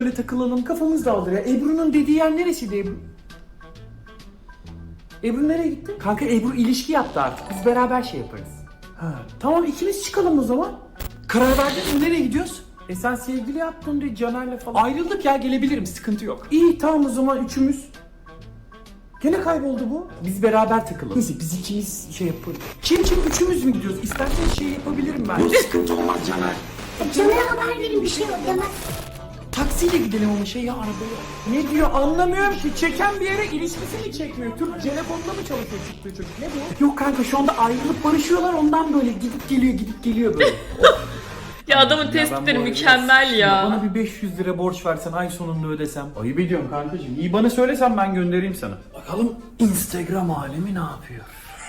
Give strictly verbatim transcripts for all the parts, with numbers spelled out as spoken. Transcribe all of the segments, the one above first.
Böyle takılalım, kafamız dağılır ya. Ebru'nun dediği yer neresiydi Ebru? Ebru nereye gitti? Kanka Ebru ilişki yaptı artık. Biz beraber şey yaparız. Ha, tamam ikimiz çıkalım o zaman. Karar verdin mi? Nereye gidiyoruz? E sen sevgili yaptın diye Caner'le falan. Ayrıldık ya, gelebilirim, sıkıntı yok. İyi tamam o zaman üçümüz. Gene kayboldu bu. Biz beraber takılalım. Neyse biz ikimiz şey yaparız. Kim kim üçümüz mü gidiyoruz? İsterseniz şey yapabilirim ben. Yok sıkıntı olmaz Caner. Caner'e haber verin, bir şey yok demez. Taksiyle gidelim ama şey ya, arabaya. Ne diyor anlamıyorum ki. Çeken bir yere ilişkisi mi çekmiyor? Türk telefonla mı çalışıyor çıktığı çocuk? Ne bu? Yok kanka şu anda ayrılıp barışıyorlar, ondan böyle gidip geliyor gidip geliyor böyle. Ya adamın tespitleri mükemmel ya. Bana bir beş yüz lira borç versen ay sonunda ödesem. Ayıp ediyorum kankacığım. İyi bana söylesen ben göndereyim sana. Bakalım Instagram alemi ne yapıyor?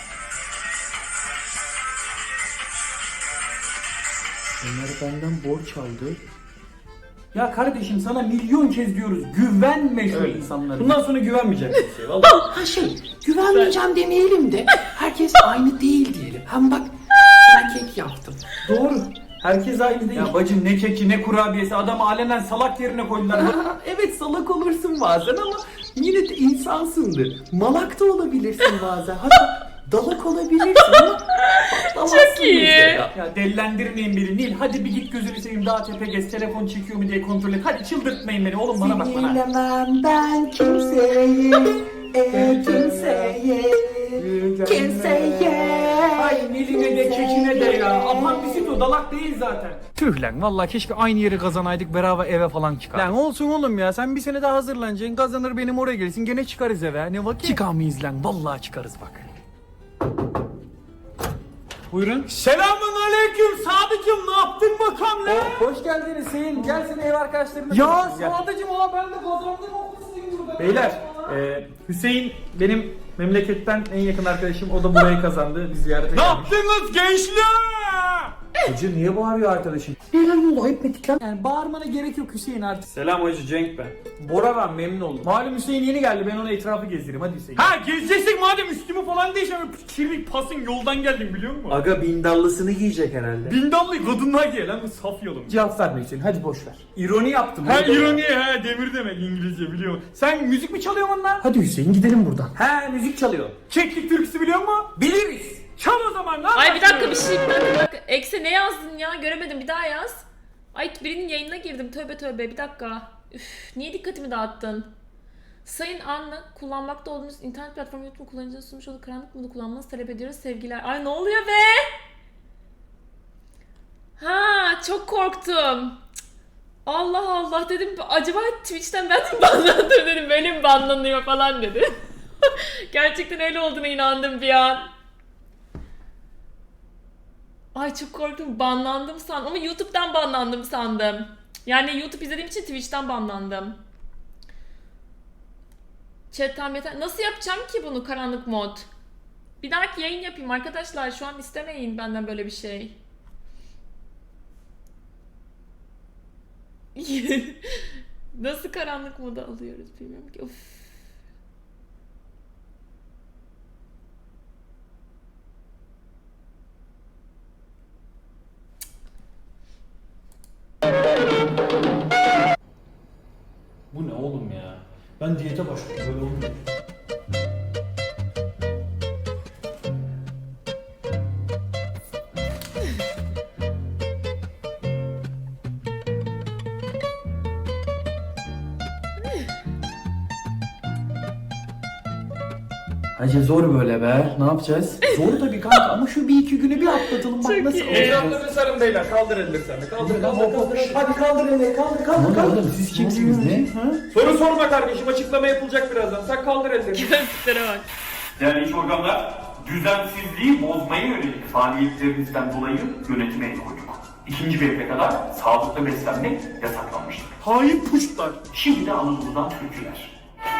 Onlar benden borç aldı. Ya kardeşim sana milyon kez diyoruz, güvenme şu insanlara. Bundan sonra güvenmeyeceksin kimseye vallahi. Ha şey, güvenmeyeceğim demeyelim de herkes aynı değil diyelim. Hem bak sana kek yaptım. Doğru. Herkes aynı değil. Ya bacım ne keki ne kurabiyesi, adamı alenen salak yerine koydular. Aa, evet salak olursun bazen ama yine de insansındır. Malak da olabilirsin bazen. Hatta dalak olabilirsin ama patlamazsın Çok iyi. mesela. Ya delilendirmeyin beni Nil. Hadi bir git gözünü seveyim, daha tepe gez, telefon çekiyor mu diye kontrol et. Hadi çıldırtmayın beni oğlum, bana bak bana. Sinirlemem ben kimseyi, e, kimseyi, kimseye. Ay Nil'ine de kekine de ya. Aman bizi o dalak değil zaten. Tüh lan vallahi keşke aynı yeri kazanaydık, beraber eve falan çıkar. Lan olsun oğlum ya, sen bir sene daha hazırlanacaksın, kazanır benim oraya gelirsin, gene çıkarız eve. Ne vakit? Çıkamayız lan, vallahi çıkarız bak. Buyurun. Selamun aleyküm Sadıcım, ne yaptın bakalım lan? Oh, hoş geldiniz Hüseyin, gel seni ev arkadaşlarına. Ya Sadıcım aa ben de kazandım okulsuyum burada. Beyler e, Hüseyin benim memleketten en yakın arkadaşım, o da burayı kazandı, biz ziyarete gelmiş. Ne yaptınız gençler? Hacı niye bağırıyor arkadaşım? Neler oldu ayıp ettik lan. Yani bağırmana gerek yok Hüseyin artık. Selam hacı, Cenk ben. Bora ben, memnun oldum. Malum Hüseyin yeni geldi, ben ona etrafı gezdireyim, hadi Hüseyin. Ha gezeceksin madem, üstümü falan değişemem. Kirlik pasın yoldan geldim biliyor musun? Aga bindallısını giyecek herhalde. Bindallı kadınlar giye lan, bu saf yolum. Cevap verme Hüseyin, hadi boş ver. İroni yaptım. Ha ironi, ha demir demek İngilizce biliyor musun? Sen müzik mi çalıyorsun onunla? Hadi Hüseyin gidelim buradan. He müzik çalıyor. Keklik türküsü biliyor musun? Biliriz. Çal o zaman lan. Ay bir dakika bir şey bir dakika, bir dakika. Ekse ne yazdın ya? Göremedim, bir daha yaz. Ay birinin yayınına girdim, tövbe tövbe, bir dakika. Üf, niye dikkatimi dağıttın? Sayın Anna, kullanmakta olduğunuz internet platformu YouTube kullanıcının sunmuş olduğu karanlık modu kullanmanızı talep ediyoruz sevgiler. Ay ne oluyor be? Ha çok korktum. Cık. Allah Allah dedim, acaba Twitch'ten ben mi banlandım dedim, böyle mi banlanıyor falan dedi. Gerçekten öyle olduğuna inandım bir an. Ay çok korktum, banlandım sandım ama YouTube'dan banlandım sandım. Yani YouTube izlediğim için Twitch'ten banlandım. Chat tam yeter. Nasıl yapacağım ki bunu, karanlık mod? Bir dahaki yayın yapayım arkadaşlar, şu an istemeyin benden böyle bir şey. Nasıl karanlık modu alıyoruz bilmiyorum ki. Of. Bu ne oğlum ya? Ben diyete başladım, böyle olmuyor. Hacı zor böyle be. Ne yapacağız? Zor tabii kanka ama şu bir iki günü bir atlatalım. Bak Çok nasıl iyi. olacak. Ecdatları sarın beyler. Kaldır elleri sen de. Kaldır kaldır kaldır. Hadi kaldır elleri kaldır kaldır kaldır. Oğlum siz kimsiniz ne? Soru sorma kardeşim, açıklama yapılacak birazdan. Sen kaldır elleri. Gözlüklere bak. Değerli iş organlar, düzensizliği bozmaya yönelik faaliyetlerinizden dolayı yönetime el koyduk. İkinci bir yere kadar sağlıklı beslenmek yasaklanmıştır. Hain puşlar. Şimdi de Anadolu'dan türküler.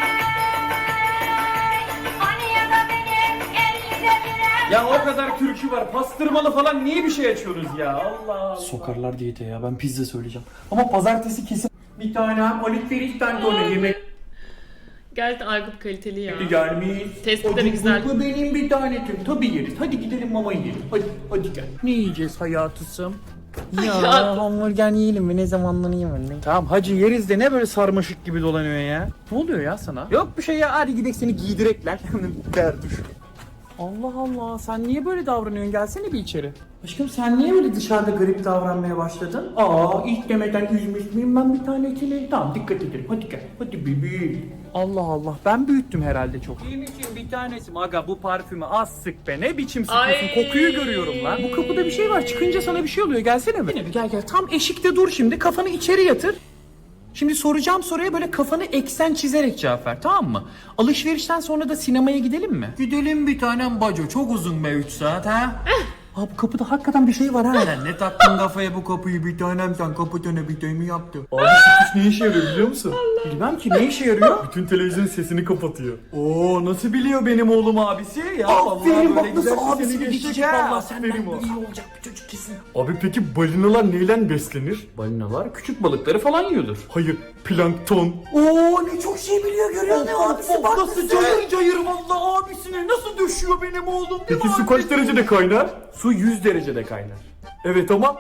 Ya o kadar türkü var. Pastırmalı falan niye bir şey açıyorsunuz ya? Allah Allah. Sokarlar diyete ya. Ben pizza söyleyeceğim. Ama pazartesi kesin. Bir tane alifverişten sonra yemek Gerçekten Aykut kaliteli ya. gelmiş. Tespitleri güzel. Bu benim bir tanetim. Tabii yeriz. Hadi gidelim mama yiyelim. Hadi, hadi gel. Ne yiyeceğiz hayatısım? Ya hamburger yiyelim mi? Ne zamandan yiyelim? Tamam hacı yeriz de ne böyle sarmaşık gibi dolanıyor ya? Ne oluyor ya sana? Yok bir şey ya, hadi gidelim seni giydirekler. Derduş. Allah Allah, sen niye böyle davranıyorsun? Gelsene bir içeri. Aşkım sen niye böyle dışarıda garip davranmaya başladın? Aa ilk demeden üzmüş müyüm ben bir tane içeri? Tamam dikkat edelim, hadi gel, hadi bebeğim. Allah Allah, ben büyüttüm herhalde çok. İyiyim için bir tanesi. Aga bu parfümü az sık be, ne biçim sıkıyorsun? Ay. Kokuyu görüyorum lan. Bu kapıda bir şey var, çıkınca sana bir şey oluyor, gelsene mi? Yine bir gel gel, tam eşikte dur şimdi, kafanı içeri yatır. Şimdi soracağım soruya böyle kafanı eksen çizerek cevap ver, tamam mı? Alışverişten sonra da sinemaya gidelim mi? Gidelim bir tanem baco, çok uzun be üç saat ha. Abi bu kapıda hakikaten bir şey var ha. Ne taktın kafaya bu kapıyı bir tanem, sen kapatana bir tane mi yaptın? Abi sütüş ne işe yarıyor biliyor musun? Bilmem ki, ne işe yarıyor? Bütün televizyon sesini kapatıyor. Oo nasıl biliyor benim oğlum abisi? Ya Aferin, bak böyle nasıl güzel abisini sesini geçecek geçecek ha. vallahi, senden Aferin o. iyi olacak bir çocuk kesin. Abi peki balinalar neyle beslenir? Balinalar küçük balıkları falan yiyordur. Hayır, plankton. Oo ne çok şey biliyor, görüyor musun abisi? Bak nasıl cayır cayır vallahi abisine nasıl düşüyor benim oğlum. Peki mi su kaç derecede kaynar? Su yüz derecede kaynar. Evet ama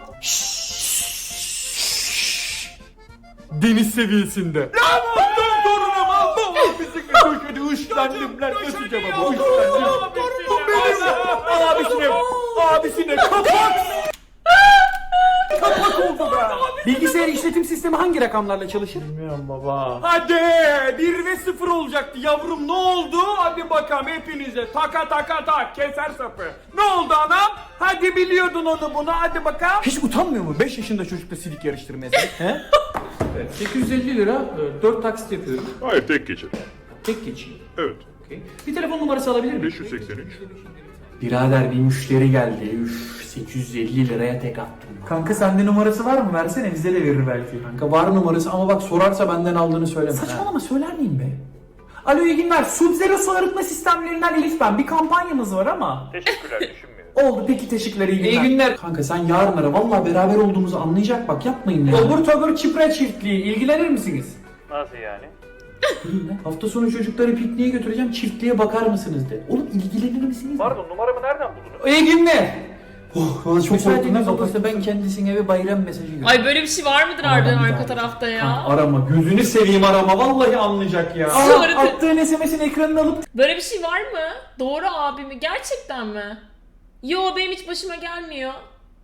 deniz seviyesinde. Lan ondan torunum Allah abisi köşede ışlandım lan nasıl cevabı ışlandım. Torunum benim. Abisine abisine kapak. Kapak oldu be. Bilgisayar işletim sistemi hangi rakamlarla çalışır? Bilmiyorum baba. Hadi bir ve sıfır olacaktı yavrum, ne oldu? Hadi bakalım hepinize taka taka tak keser sapı. Ne oldu anam? Hadi biliyordun onu bunu, hadi bakalım. Hiç utanmıyor mu beş yaşında çocukla silik yarıştırmaya sen? He? Evet, sekiz yüz elli lira, dört taksit yapıyorum. Hayır, tek geçir. Tek geçeyim. Evet. Okay. Bir telefon numarası alabilir miyim? beş yüz seksen üç. Birader bir müşteri geldi. Üf, sekiz yüz elli liraya tek attım. Kanka sende numarası var mı? Versene, bize de verir belki. Kanka var numarası ama bak sorarsa benden aldığını söyleme. Saçmalama, söyler miyim be? Alo iyi günler. Sub-Zero su arıtma sistemlerinden Elif ben. Bir kampanyamız var ama. Teşekkürler, düşünmüyorum. Oldu peki, teşekkürler, iyi günler. İyi günler. Kanka sen yarın ara. Vallahi beraber olduğumuzu anlayacak, bak yapmayın ya. Obur tobur çipre çiftliği. İlgilenir misiniz? Nasıl yani? Hafta sonu çocukları pikniğe götüreceğim, çiftliğe bakar mısınız de. Oğlum ilgilenir misiniz? Pardon, numaramı nereden buldunuz? İyi günler. Oh, valla çok müsaadeniz olursa ben kendisine bir bayram mesajı göndereyim. Ay böyle bir şey var mıdır Ama Arda'nın ben bir arka daha- tarafta ya? Kanka arama, gözünü seveyim arama, vallahi anlayacak ya. Sonra- Aa, attığın S M S'in ekranını alıp Böyle bir şey var mı? Doğru abi mi? Gerçekten mi? Yo benim hiç başıma gelmiyor.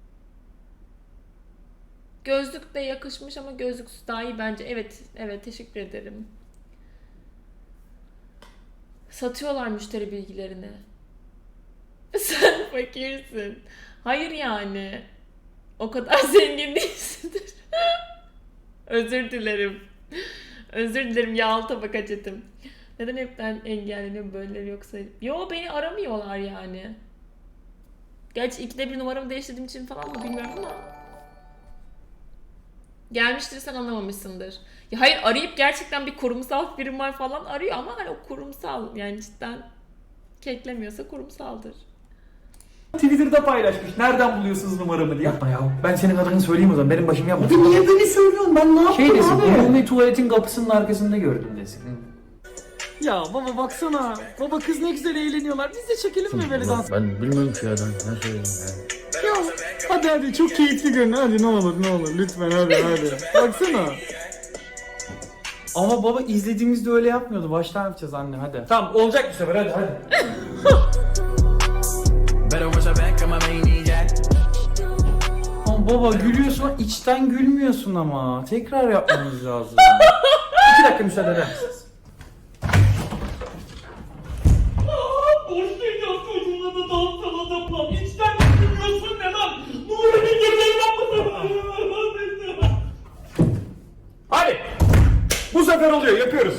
Gözlük de yakışmış ama gözlüksüz daha iyi bence. Evet, evet teşekkür ederim. Satıyorlar müşteri bilgilerini. Sen fakirsin. Hayır yani. O kadar zengin değilsindir. Özür dilerim. Özür dilerim yağlı tabak acetim. Neden hepten engelleniyor böyleleri yoksa? Yo beni aramıyorlar yani. Gerçi ikide bir numaramı değiştirdiğim için falan mı bilmiyorum ama. Gelmiştir sen anlamamışsındır. Ya hayır arayıp gerçekten bir kurumsal firma falan arıyor ama hani o kurumsal yani cidden keklemiyorsa kurumsaldır. Twitter'da paylaşmış. Nereden buluyorsunuz numaramı diye. Yapma ya. Ben senin adını söyleyeyim o zaman. Benim başım yapma. Abi niye beni söylüyorsun? Ben ne yaptım şey desin, abi? Umumi tuvaletin kapısının arkasında gördüm desin. Ya baba baksana. Baba kız ne güzel eğleniyorlar. Biz de çekelim mi böyle dans? Ben bilmiyorum ki ya, ben ne söyleyeyim ya. Ya hadi hadi çok keyifli görün. Hadi ne olur ne olur lütfen hadi hadi. Baksana. Ama baba izlediğimizde öyle yapmıyordu. Baştan yapacağız anne hadi. Tamam olacak bu sefer hadi hadi. Ama baba gülüyorsun, içten gülmüyorsun ama. Tekrar yapmamız lazım. İki dakika müsaade eder misiniz? Boş geliyor çocuğuna da dans salata plan. İçten gülüyorsun ne lan? Numara bir geceyi yapmasın. Hadi. Bu sefer oluyor, yapıyoruz.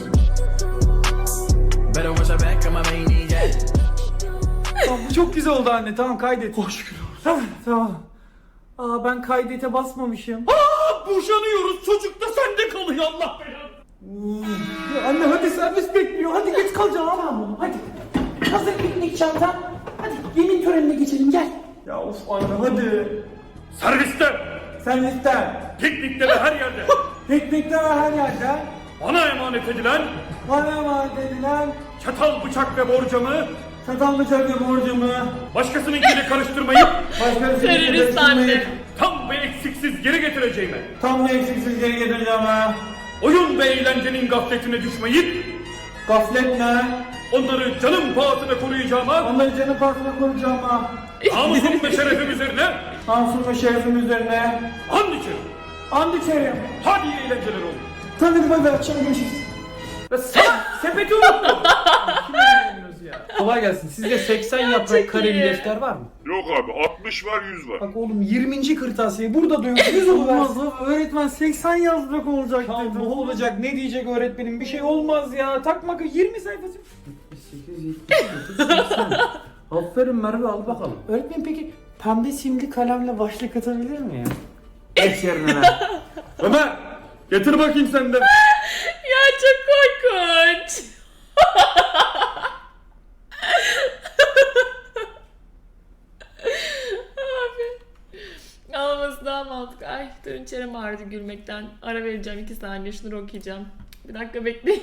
Tamam, bu çok güzel oldu anne. Tamam kaydet. Hoş şükür. Tamam. Aa ben kaydete basmamışım. Aa, boşanıyoruz, çocuk da sende kalıyor Allah belanı. Ya anne hadi servis bekliyor. Hadi geç kalacağım ama bunu. Hadi. Hazır piknik çantan. Hadi yemin törenine geçelim gel. Ya of anne hadi. Serviste, Servisten. piknikte ve her yerde Piknikte ve her yerde. bana emanet edilen Bana emanet edilen çatal, bıçak ve borcamı çatal bıçak ve borcumu. başkasınınkiyle karıştırmayıp Başka bir Terörist anne. tam benim eksiksiz geri getireceğime, Tam da eksiksiz geri getireceğim ha. oyun ve eğlencenin gafletine düşmeyip, Gaflet ne? onları canım pahasına koruyacağıma, Onları canı parkına koruyacağım ha. namusum ve şerefim üzerine Namusum ve şerefim üzerine. and içerim. And içerim. Hadi iyi eğlenceler olsun. Tabii bay bay, akşam görüşürüz. Ve sana sepeti unuttum. Kolay gelsin. Sizde seksen çok yaprak kareli iyi. defter var mı? Yok abi altmış var yüz var. Bak oğlum yirminci kırtasiye burada da yok. yüz olmaz. Öğretmen seksen yazmak olacak dedi. Ne olacak? Ne diyecek öğretmenim? Bir şey olmaz ya. Takma yirmi sayfası. yetmiş sekiz, yetmiş dokuz, seksen. Aferin Merve, al bakalım. Öğretmen peki pembe simli kalemle başlık atabilir mi ya? Geç yerine lan. Ömer, getir bakayım sen de. Ya çok korkunç. Abi. Ağlaması daha mantıklı. Ay durun çenem ağrıdı gülmekten. Ara vereceğim iki saniye şunları okuyacağım. Bir dakika bekleyin.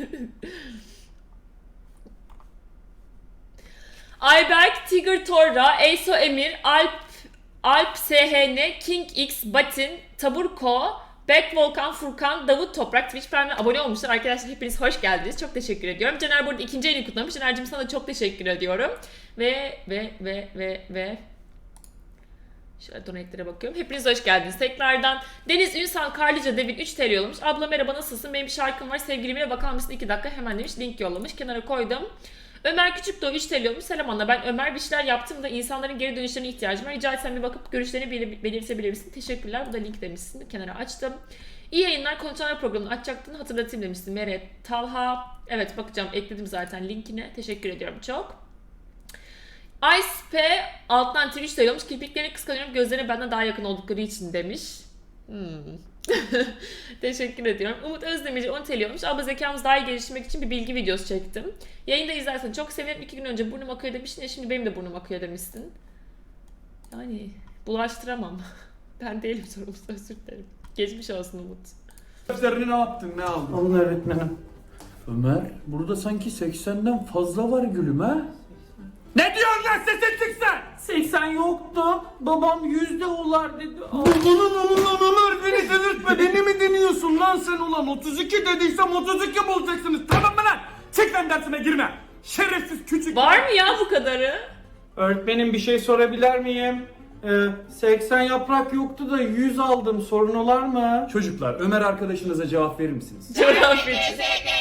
Ayberk, Tiger Torra, Eyso Emir, Alp, Alp S H N, King X, Batin, Taburko, Back Volkan, Furkan, Davut Toprak Twitch Prime'e abone olmuşlar. Arkadaşlar hepiniz hoş geldiniz. Çok teşekkür ediyorum. Caner burada ikinci ayını kutlamış. Caner'cim sana da çok teşekkür ediyorum. Ve ve ve ve ve şöyle donate'lere bakıyorum. Hepiniz hoş geldiniz. Tekrardan Deniz Ünsal Karlıca Devin üç T L yollamış. Abla merhaba nasılsın? Benim bir şarkım var. Sevgilime bakar mısın? iki dakika hemen demiş. Link yollamış. Kenara koydum. Ömer Küçükdoğu üç T L yollamış. Selam Anna. Ben Ömer bir şeyler yaptım da insanların geri dönüşlerine ihtiyacım var. Rica etsem bir bakıp görüşlerini belir- belirtebilir misin? Teşekkürler. Bu da link demişsin. Kenara açtım. İyi yayınlar. Konuşanlar programını açacaktın. Hatırlatayım demişsin. Meret Talha. Evet bakacağım. Ekledim zaten linkine. Teşekkür ediyorum çok. Ice P alttan Twitch'te yollamış. Kirpiklerini kıskanıyorum. Gözlerine benden daha yakın oldukları için demiş. Hmm. Teşekkür ediyorum. Umut Özdemir on T L olmuş. Abla zekamız daha iyi geliştirmek için bir bilgi videosu çektim. Yayında izlersen çok sevinirim. İki gün önce burnum akıyor demiştin ya şimdi benim de burnum akıyor demişsin. Yani bulaştıramam. Ben değilim sorumlusu, özür dilerim. Geçmiş olsun Umut. Derslerini ne yaptın, ne aldın? Alın öğretmenim. Ömer, burada sanki seksenden fazla var gülüm ha? Ne diyorsun lan sesin çıksın? seksen yoktu. Babam yüzde olar dedi. Ulan ulan Ömer beni delirtme, beni mi deniyorsun lan sen ulan? otuz iki dediysem otuz iki bulacaksınız, tamam mı lan? Çık lan dersime girme. Şerefsiz küçük. Var mı ya bu kadarı? Öğretmenim bir şey sorabilir miyim? Ee, seksen yaprak yoktu da yüz aldım. Sorun olar mı? Çocuklar, Ömer arkadaşınıza cevap verir misiniz? Coğrafyacı.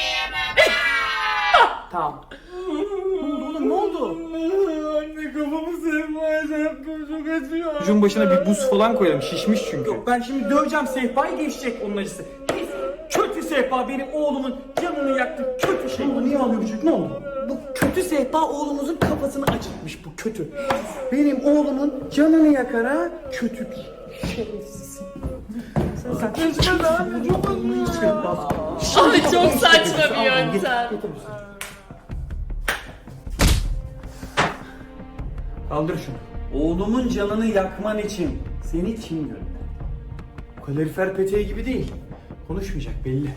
Tamam. Ne oldu oğlum, ne oldu? Anne kafamı sevmeye yaptım, çok acıyor. Çocuğun başına bir buz falan koyalım, şişmiş çünkü. Yok ben şimdi döveceğim sehpayı, geçecek onun acısı. Kötü sehpa benim oğlumun canını yaktı, kötü şey. Bu niye ağlıyor bu çocuk, ne oldu? Bu kötü sehpa oğlumuzun kafasını acıtmış, bu kötü. Benim oğlumun canını yakar ha, kötü bir şerefsiz. Sen sen anne çok Abi çok saçma bir yöntem. Kaldır şunu. Oğlumun canını yakman için seni kim gönderdi? Kalorifer peteği gibi değil. Konuşmayacak belli.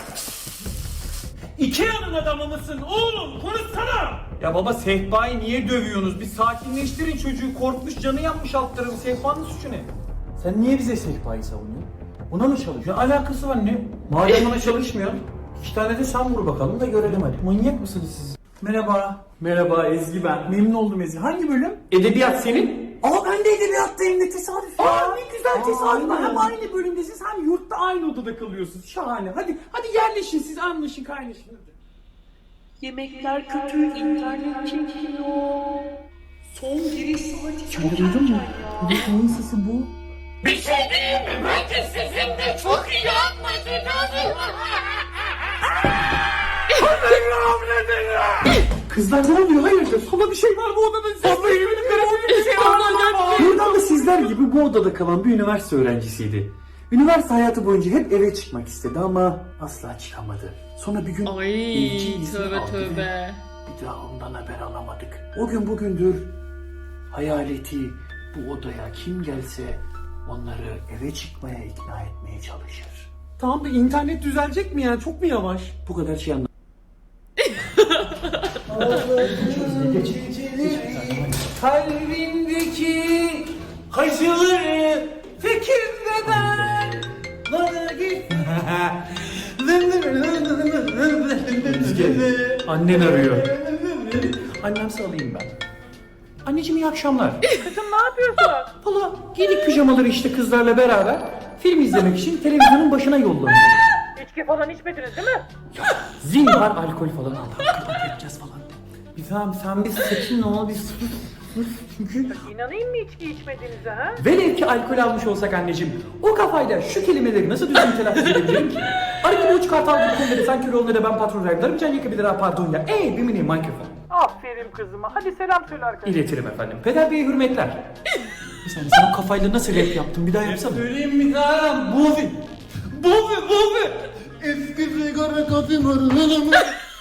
Ikea'nın adamı mısın oğlum? Konuşsana! Ya baba sehpayı niye dövüyorsunuz? Bir sakinleştirin çocuğu. Korkmuş, canı yanmış alt tarafı. Sehpanın suçu ne? Sen niye bize sehpayı savunuyorsun? Buna mı çalışıyorsun? Alakası var ne? Madem ona çalışmıyorsun, iki tane de sen vur bakalım da görelim hadi. Manyak mısınız siz? Merhaba. Merhaba Ezgi ben. Memnun oldum Ezgi. Hangi bölüm? Edebiyat senin. Aa ben de edebiyattayım, ne tesadüf ya. Aa ne güzel tesadüf. Hem aynı bölümdesiniz hem yurtta aynı odada kalıyorsunuz. Şahane. Hadi hadi yerleşin siz, anlaşın kaynaşın. Yemekler kötü, internet çekiyor. Son giriş saati çok Duydun mu? erken ya. Neyin sesi bu? Bir şey diyeyim mi? Bence sizin de çok iyi anlaşacağız. Kızlar ne oluyor? Hayırdır? Sola bir şey var bu odada. Sola evinin karısında bir şey var. Buradan da sizler gibi bu odada kalan bir üniversite öğrencisiydi. Üniversite hayatı boyunca hep eve çıkmak istedi ama asla çıkamadı. Sonra bir gün Ay ilgi izni tövbe aldı ve tövbe. bir daha ondan haber alamadık. O gün bugündür hayaleti bu odaya kim gelse onları eve çıkmaya ikna etmeye çalışır. Tamam da internet düzelecek mi ya? Çok mu yavaş? Bu kadar şey anlamadım. Kalbimdeki acıları peki Ezgi, annen arıyor. Annemse alayım ben. Anneciğim iyi akşamlar. Kızım ne yapıyorsun? Valla giydik pijamaları işte kızlarla beraber film izlemek için televizyonun başına yollanıyor. İçki falan içmediniz değil mi? Zinhar alkol falan aldı. Kapat yapacağız falan. Bir tamam sen bir sakin ol bir sus. sus. Çünkü İnanayım mı içki içmediğinize ha? velev ki alkol almış olsak anneciğim o kafayla şu kelimeleri nasıl düzgün telaffuz edebilirim ki? Arada uç kartal gibi konuları sen kör olana da ben patron raylarım can yakabilir ha pardon ya. Ey bir mini mikrofon. Aferin kızıma. Hadi selam söyle arkadaşlar. İletirim efendim. Peder Bey'e hürmetler. Bir saniye sen o kafayla nasıl rap yaptın bir daha yapsana. Söyleyeyim mi daha? Bovi. Bovi, Bovi. Eski sigara kafim arılarım.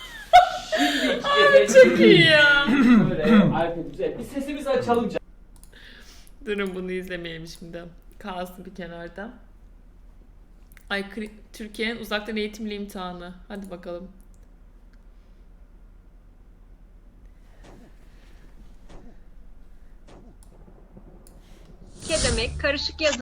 Çok iyi ya. Bir sesimizi açalım canım. Durun bunu izlemeyelim şimdi. Kalsın bir kenarda. Ay kri- Türkiye'nin uzaktan eğitimli imtihanı. Hadi bakalım. Ke demek karışık yazı.